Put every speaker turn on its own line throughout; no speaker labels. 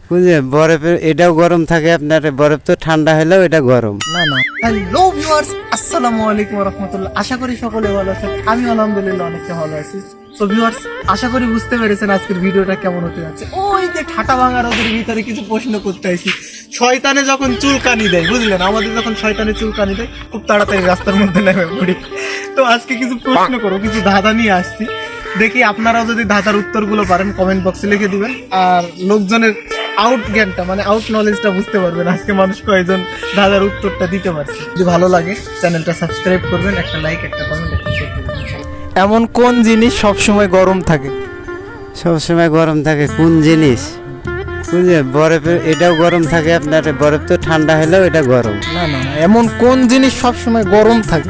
বুঝলেন, বরফের এটাও গরম থাকে, আপনার বরফ তো ঠান্ডা হলেও এটা গরম।
না না। হ্যালো ভিউয়ার্স, আসসালামু আলাইকুম ওয়া রাহমাতুল্লাহ। আশা করি সকলে ভালো আছেন, আমি আলহামদুলিল্লাহ অনেকটা ভালো আছি। তো ভিউয়ার্স, আশা করি বুঝতে পেরেছেন আজকের ভিডিওটা কেমন হতে যাচ্ছে। ওই যে ঠাটা ভাঙা রোদের ভিতরে কিছু প্রশ্ন করতে আইছি। শয়তানে যখন চুলকানি দেয়, বুঝলেন, আমাদের যখন শয়তানে চুলকানি দেয় খুব তাড়াতাড়ি রাস্তার মধ্যে নেমে পড়ি। তো আজকে কিছু প্রশ্ন করবো, কিছু ধাঁধা নিয়ে আসছি। দেখি আপনারাও যদি ধাঁধার উত্তরগুলো পারেন কমেন্ট বক্সে লিখে দিবেন, আর লোকজনের আউট জ্ঞানটা মানে আউট নলেজটা বুঝতে পারবেন আজকে মানুষ কয়জন ধাঁধার উত্তরটা দিতে পারছে। যদি ভালো লাগে চ্যানেলটা সাবস্ক্রাইব করবেন, একটা লাইক, একটা কমেন্ট, একটা শেয়ার করবেন। এমন কোন জিনিস সবসময় গরম থাকে?
সবসময় গরম থাকে কোন জিনিস? বুঝলেন, বরফের এটাও গরম থাকে, আপনার বরফ তো ঠান্ডা হলেও এটা গরম।
না না না, এমন কোন জিনিস সবসময় গরম থাকে?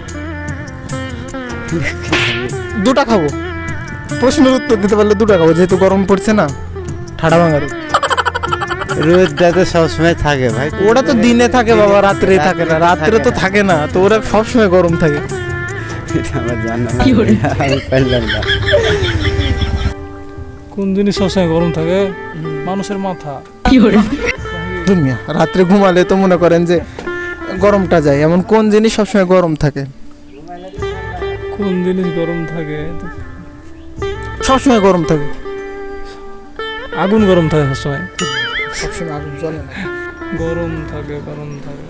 দুটা খাবো, প্রশ্নের উত্তর দিতে পারলে দুটা খাবো, যেহেতু গরম পড়ছে না। ঠাডা ভাঙার
রোদটা তো সবসময় থাকে ভাই।
ওটা তো দিনে থাকে বাবা, রাত্রে থাকে না। রাত্রে তো থাকে না, তো ওরা সবসময় গরম থাকে।
এটা আমার জানা নাই, আমি পারলাম না।
কোন জিনিস সবসময় গরম থাকে? মানুষের মাথা।
দুনিয়া রাত্রে ঘুমালে তো মনে করেন যে গরমটা যায়, এমন কোন জিনিস সবসময় গরম থাকে?
কোন জিনিস গরম থাকে?
সবসময় গরম থাকে।
আগুন গরম থাকে সবসময়।
সবসময় আগুন জ্বলে না।
গরম থাকে, গরম থাকে।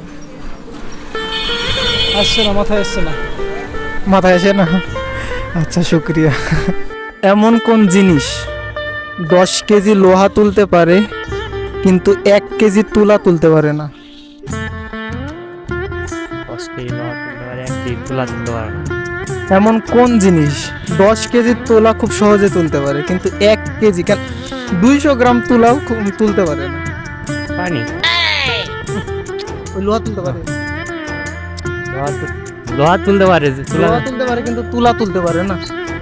আসছে না, মাথায় আসছে না।
মাথায় আসে না? আচ্ছা, শুক্রিয়া। এমন কোন জিনিস 10 কেজি লোহা তুলতে পারে কিন্তু 1 কেজি তুলা তুলতে পারে না?
10 কেজি লোহা তুলতে পারে, 1 কেজি তুলা তুলতে পারে না।
এমন কোন জিনিস 10 কেজি তুলা খুব সহজে তুলতে পারে কিন্তু 1 কেজি কেন 200 গ্রাম তুলাও তুলতে পারে না?
পানি।
ওই লোহা তুলতে পারে,
লোহা তুলতে পারে, তুলা
লোহা তুলতে পারে কিন্তু তুলা তুলতে পারে না।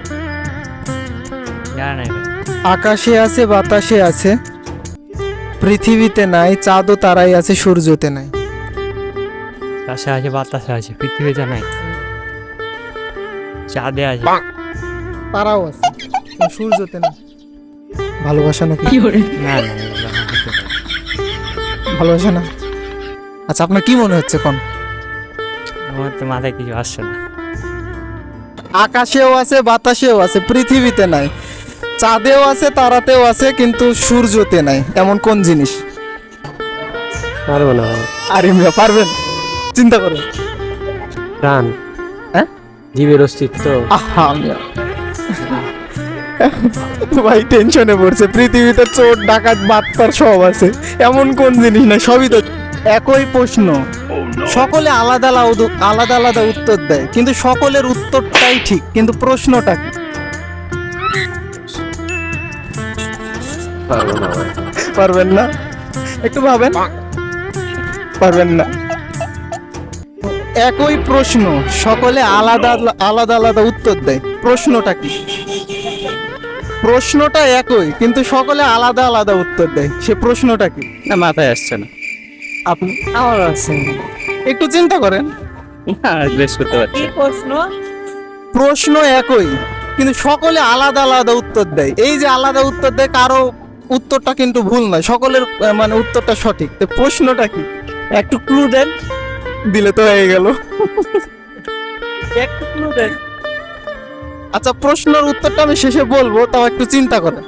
জানা নাই ভাই।
আকাশে আছে, বাতাসে আছে, পৃথিবীতে নাই, চাঁদ ও তারাই আছে, সূর্যতে নাই।
আকাশে আছে, বাতাসে আছে, পৃথিবীতে নাই, চাঁদে আছে,
তারাও আছে কিন্তু সূর্যতে নাই। ভালোবাসা নাকি?
না না এগুলো হতে পারে।
ভালোবাসা না? আচ্ছা, আপনার কি মনে হচ্ছে কোন?
আমার তো মাথায় কিছু আসছে না।
আকাশেও আছে, বাতাসেও আছে, পৃথিবীতে নাই, চাঁদেও আছে, তারাতেও আছে, কিন্তু সূর্যতে নাই। এমন কোন জিনিস?
পারবো না ভাই।
আরে মিয়া, পারবেন? চিন্তা করুন।
প্রাণ,
হ্যাঁ,
জীবের অস্তিত্ব।
আহা মিয়া, ভাই টেনশনে পড়ছে। পৃথিবীতে চোর, ডাকাত, বাটপার সব আছে, এমন কোন জিনিস না? সবই তো একই প্রশ্ন, সকলে আলাদা আলাদা আলাদা উত্তর দেয়, কিন্তু সকলের উত্তরটাই ঠিক, কিন্তু প্রশ্নটা কি? পারবেন না? একটু ভাবেন। পারবেন না? একই প্রশ্ন, সকলে আলাদা আলাদা আলাদা উত্তর দেয়, প্রশ্নটা কি? প্রশ্নটা একই কিন্তু সকলে আলাদা আলাদা উত্তর দেয়, সে প্রশ্নটা কি?
না, মাথায় আসছে না।
আপনি
আমার আসছে
একটু চিন্তা করেন।
না, বেশ করতে পারছি।
প্রশ্ন একই কিন্তু সকলে আলাদা আলাদা উত্তর দেয়। এই যে আলাদা উত্তর দেয়, কারো উত্তরটা কিন্তু ভুল নয়, সকলের মানে উত্তরটা সঠিক। তো প্রশ্নটা কি?
একটু ক্লু দেন।
দিলে তো হয়ে গেল।
একটু ক্লু দেন।
আচ্ছা, প্রশ্নের উত্তরটা আমি শেষে বলবো, তাও একটু চিন্তা করেন।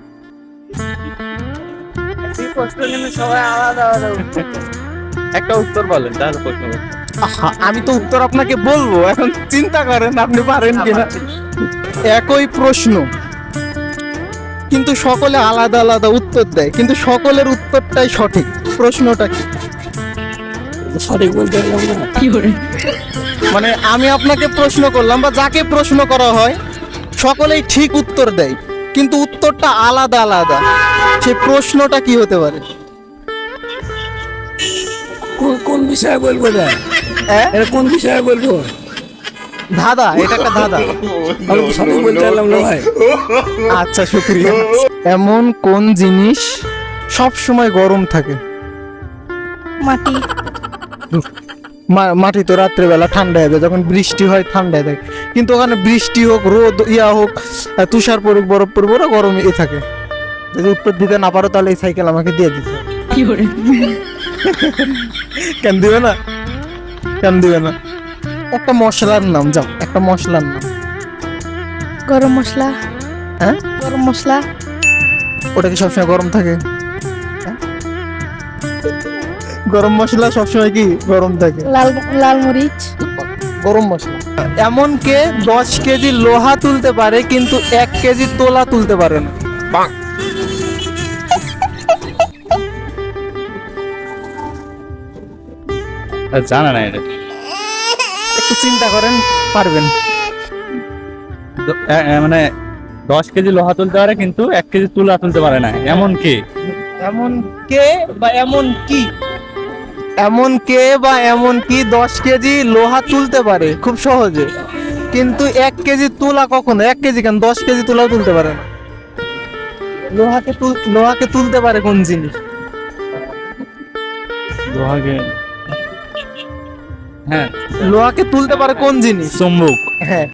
এই প্রশ্ন কিন্তু সবাই আলাদা আলাদা উত্তর দেয়। একটা উত্তর বলেন, তাহলে প্রশ্ন করতে।
আহা, আমি তো উত্তর আপনাকে বলবো, এখন চিন্তা করেন আপনি পারেন কিনা। একই প্রশ্ন কিন্তু সকলে আলাদা আলাদা উত্তর দেয়, কিন্তু সকলের উত্তরটাই সঠিক, প্রশ্নটা কি?
সঠিক বলতে পারলাম না।
মানে আমি আপনাকে প্রশ্ন করলাম বা যাকে প্রশ্ন করা হয় সকলেই ঠিক উত্তর দেয়, কিন্তু উত্তরটা আলাদা আলাদা, সেই প্রশ্নটা কি হতে পারে?
কোন বিষয়ে বলবো না?
হ্যাঁ,
এটা কোন বিষয়ে বলবো?
ধাঁধা, এটা একটা ধাঁধা।
আমি তো সঠিক বলতে পারলাম না ভাই।
আচ্ছা, শুক্রিয়া। এমন কোন জিনিস সব সময় গরম থাকে?
মাটি।
মাটি তো রাত্রেবেলা ঠান্ডা হয়ে যায়, যখন বৃষ্টি হয় ঠান্ডা হয়ে থাকে, কিন্তু ওখানে বৃষ্টি হোক, রোদ হোক, তুষার পড়ুক, বরফ পড়ুক, ওরা গরমই থাকে। যদি উত্তর দিতে না পারো তাহলে এই সাইকেল আমাকে দিয়ে দিতে হবে। কেন দিবে না? কেন দিবে না? একটা মশলার নাম, যাও একটা মশলার নাম।
গরম মশলা।
হ্যাঁ,
গরম মশলা।
ওটা কি সবসময় গরম থাকে? হ্যাঁ? গরম মশলা সবসময় কি গরম থাকে?
লাল লাল মরিচ।
গরম মশলা। এমন কে 10 কেজি লোহা তুলতে পারে কিন্তু 1 কেজি তোলা তুলতে পারে না?
জানা নাই এটা।
একটু চিন্তা করেন, পারবেন।
মানে 10 কেজি লোহা তুলতে পারে কিন্তু 1 কেজি তুলা তুলতে পারে না, এমন কি?
এমন কে বা এমন কি? এমন কে বা এমন কি 10 কেজি লোহা তুলতে পারে খুব সহজে, কিন্তু 1 কেজি তুলা কখনো, 1 কেজি কেন 10 কেজি তুলাও তুলতে পারে না? লোহাকে তুলতে পারে কোন জিনিস?
লোহাকে, হ্যাঁ
লোহাকে তুলতে পারে কোন জিনিস?
চুম্বক।
হ্যাঁ,